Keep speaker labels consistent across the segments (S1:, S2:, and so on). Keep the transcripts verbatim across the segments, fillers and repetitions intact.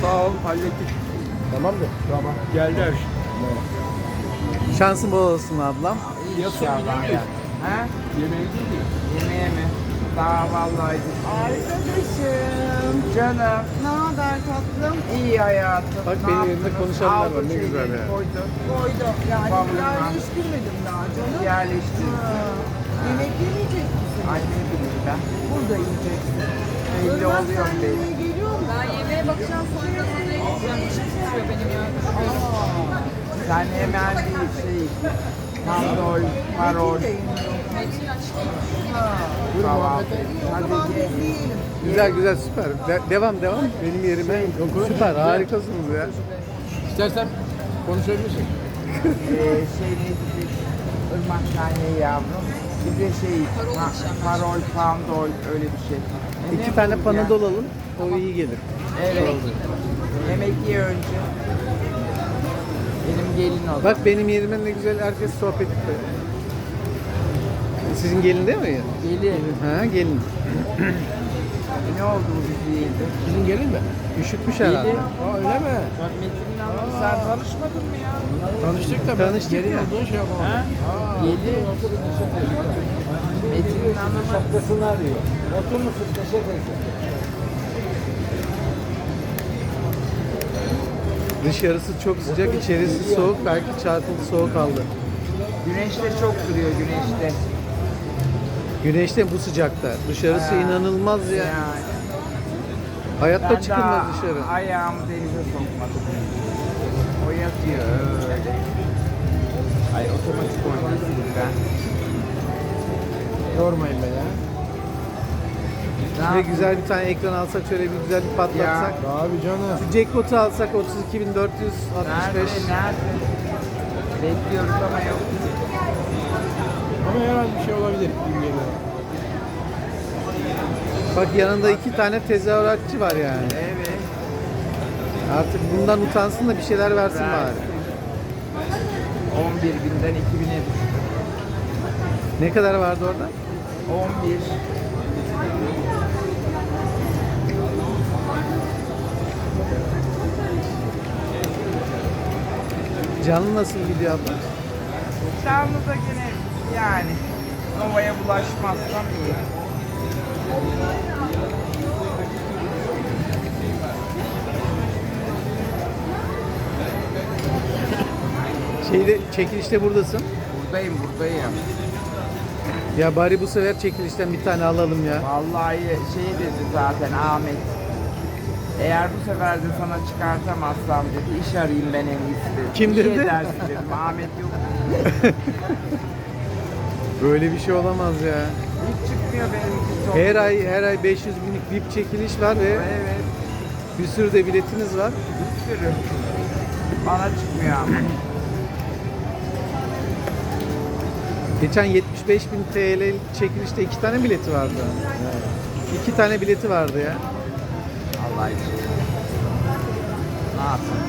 S1: Sağ ol, hallettik.
S2: Tamamdır.
S1: Tamam. Geldi her şey.
S3: Şansın bol olsun ablam.
S1: İnşallah ya.
S4: Ha?
S1: Yemeği değil mi?
S4: Yemeğe mi? Daha vallahi. Arkadaşım, canım. Ne haber tatlım? İyi hayatım.
S3: Bak
S4: Ne
S3: benim elimde
S4: yaptınız?
S3: konuşanlar var,
S4: Aldın
S3: ne güzel
S4: şeyleri,
S3: ya.
S4: Koydun.
S5: Koydum. Yani
S4: Babamla.
S5: yerleştirmedim daha canım.
S4: Yerleştir.
S5: Ha. Yemek yemeyecek misin?
S4: Anne bileyim ben.
S5: Burada yiyeceksin.
S4: Belli
S5: Ölmez
S4: oluyor
S5: sen
S4: belli.
S5: yemeğe geliyor musun?
S6: Ben yemeğe bakacağım sonra odaya gideceğim. İşim tutuyor benim ya.
S4: Sen hemen bir şey. Pandol, parol.
S5: Metin de yemiyor.
S6: Metin açtı.
S4: Kahvaltı. Hadi
S5: Tamam
S4: ye.
S5: biz yiyelim.
S3: Güzel güzel süper. De- devam devam. Benim yerime süper harikasınız ya.
S2: İstersen konuşabilirsin.
S4: Ee, şey ne dedik? Irmak tane yavrum. Bir de şey,
S6: Parol
S4: pa-
S6: içeceğim ben.
S4: parol, pandol öyle bir şey. E,
S3: İki
S4: ne
S3: tane
S4: bu
S3: panadol
S4: ya?
S3: alın. O iyi gelir.
S4: Evet. Yemek ye önce. Benim gelin oldu.
S3: Bak benim yerime ne güzel herkes sohbet ediyor. Sizin gelin değil mi?
S4: Gelin.
S3: Ha gelin.
S4: Ne oldu bu bizi yedi?
S2: Sizin gelin mi?
S3: Üşütmüş herhalde.
S4: Gelin.
S2: Aa öyle mi?
S4: Bak Metin'in hanımı sen tanışmadın mı ya?
S2: Tanıştık da ben
S3: Tanıştık
S2: gelin
S3: ya.
S2: olduğunu şey yapamam.
S4: Ha? Gelin. Metin'in hanımı.
S1: Şapkasını arıyor. Otur musun? Teşekkür ederim.
S3: Dışarısı çok sıcak, içerisi soğuk. Belki çarpıntı soğuk aldı.
S4: Güneşte çok duruyor güneşte.
S3: Güneşte bu sıcakta. Dışarısı
S4: Ha.
S3: inanılmaz ya.
S4: Yani.
S3: Hayatta
S4: Ben
S3: çıkılmaz
S4: daha
S3: dışarı.
S4: ayağımı denize sokmadım. O yatıyor öyle. Ay otomatik oynasın ben.
S2: Yormayın beni ya.
S4: Ne
S3: Şöyle
S4: yapayım?
S3: güzel bir tane ekran alsak, şöyle bir güzel bir patlatsak.
S2: Abi canım.
S3: Şu jackpot'u alsak otuz iki bin dört yüz altmış
S4: Nerede?
S3: beş.
S4: Nerede? Bekliyoruz ama yok.
S2: Ama herhalde bir şey olabilir. gibi geliyor.
S3: Bak yanında iki tane tezahüratçı var yani.
S4: Evet.
S3: Artık bundan utansın da bir şeyler versin bari.
S4: on bir binden iki bine düştü.
S3: Ne kadar vardı orada?
S4: on bir.
S3: Canlı nasıl gidiyor abla?
S4: Canlı da gene yani Nova'ya bulaşmazsam iyi.
S3: Şeyde çekilişte buradasın.
S4: Buradayım buradayım.
S3: Ya bari bu sefer çekilişten bir tane alalım ya.
S4: Vallahi şey dedi zaten Ahmet. Eğer bu sefer de sana çıkartamazsam dedi iş arayayım ben en iyisi dedi.
S3: Kim
S4: İyi
S3: dedi?
S4: edersin dedim. Ahmet yok.
S3: Böyle bir şey olamaz ya.
S4: Hiç çıkmıyor benimki çok.
S3: Her ay her ay beş yüz binlik V I P çekiliş var ve
S4: Evet.
S3: bir sürü de biletiniz var.
S4: Bir sürü. Bana çıkmıyor ama.
S3: Geçen yetmiş beş bin T L çekilişte iki tane bileti vardı. İki tane bileti vardı ya.
S4: Allah için. Ne yapayım?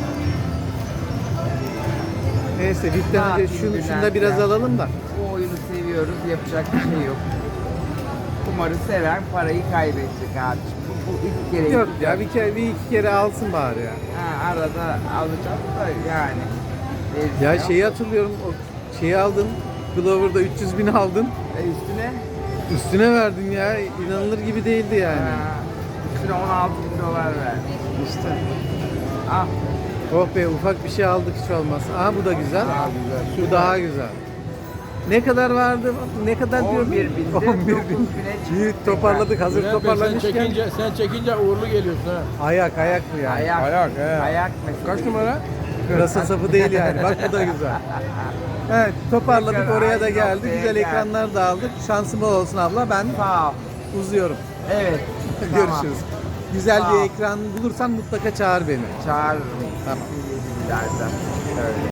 S3: Neyse V I P'ten
S4: Ne
S3: önce
S4: yapayım
S3: şunu,
S4: Bülent
S3: şunu da biraz
S4: ya?
S3: alalım da.
S4: Bu oyunu seviyoruz. Yapacak bir şey yok. Kumarı seven parayı kaybedecek abiciğim. Bu, bu ilk kere
S3: Yok
S4: gidecek.
S3: ya bir kere bir iki kere alsın bari ya.
S4: Ha, arada alacağız da yani.
S3: Ya
S4: Veririz
S3: şeyi hatırlıyorum o şeyi aldın. Glover'da üç yüz bin aldın.
S4: E üstüne?
S3: Üstüne verdin ya. İnanılır gibi değildi yani.
S4: Ha, üstüne on altı bin dolar verdi.
S3: İşte.
S4: Ah,
S3: Oh be ufak bir şey aldık hiç olmaz. Aha bu da güzel.
S2: Daha güzel.
S3: Bu daha güzel. Ne kadar vardı? Ne kadar
S4: on
S3: diyorum?
S4: bir binde
S3: on bir
S4: dokuz
S3: bin.
S4: bine çıktık.
S3: İyi toparladık. Hazır
S2: Bülent Bey, sen
S3: toparlamışken.
S2: çekince, sen çekince uğurlu geliyorsun ha.
S3: Ayak ayak bu yani.
S4: ayak.
S2: Ayak, he.
S4: Ayak mesela.
S2: Kaç numara?
S3: Pırasa sapı değil yani. Bak bu da güzel. Evet toparladık
S4: Tekrar
S3: oraya da
S4: aynı
S3: geldi.
S4: noktaya
S3: Güzel
S4: geldik.
S3: ekranlar da aldık. Şansım bol olsun abla. Ben
S4: Sağ ol.
S3: uzuyorum.
S4: Evet.
S3: Görüşürüz. Güzel
S4: Sağ
S3: bir
S4: ol.
S3: ekran bulursan mutlaka çağır beni.
S4: Çağırırım.
S3: Tamam.
S4: Derden. Öyle.